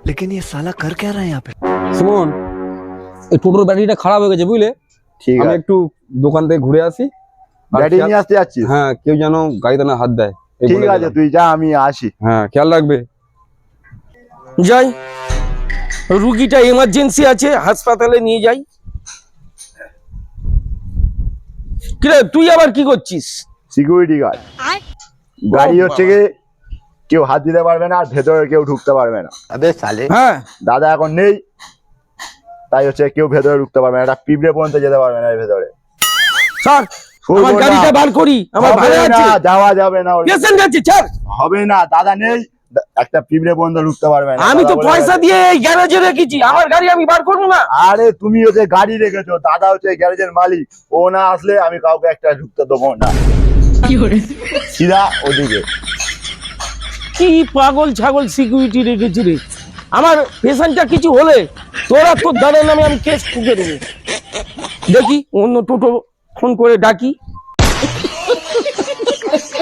लेकिन ये साला कर क्या रहा है यहाँ पे? সুমন এই টোটোর ব্যাটারিটা খারাপ হয়ে গেছে বুঝলে ঠিক আমি আছে, একটু দোকান থেকে ঘুরে আসি আর ব্যাটারি খেয়াল- নিয়ে আসতে যাচ্ছিস? হ্যাঁ কেউ যেন গাড়িতে না হাত দেয় এই ঠিক বলে আছে, দিলাম। তুই যা, আমি আসি। হ্যাঁ খেয়াল রাখবে। যাই, রুগীটা এমার্জেন্সি আছে, হাসপাতালে নিয়ে যাই। কিরে তুই আবার কি করছিস? Security guard. গাড়ি হচ্ছে কি কেউ হাত দিতে পারবে না, আর ভেতরে কেউ ঢুকতে পারবে না। হ্যাঁ দাদা এখন নেই, তাই হচ্ছে কেউ ভেতরে ঢুকতে পারবে না, একটা পিঁপড়ে পর্যন্ত যেতে পারবে না এর ভেতরে। স্যার শুনবো আমার না। গাড়িটা বার করি, আমার হবে ভালো না, আছে, যাওয়া যাবে না, পেশেন্ট আছে, ছাড়। হবে না, দাদা নেই, একটা পিঁপড়ে পর্যন্ত ঢুকতে পারবে না। আমি তো দাদা বলে পয়সা গেছে। দিয়ে এই গ্যারেজে রেখেছি, আমার গাড়ি আমি বার করবো না? আরে তুমি হচ্ছে গাড়ি রেখেছো, দাদা হচ্ছে গ্যারেজের মালিক, ও না আসলে আমি কাউকে একটা ঢুকতে দেবো না। সিধা ওদিকে। কি পাগল ছাগল সিকিউরিটি রেখেছি রে, আমার পেশেন্টটা কিছু হলে তোরা তোর দাদার নামে আমি কেস ঠুকে দেবো। দেখি অন্য টোটো ফোন করে ডাকি।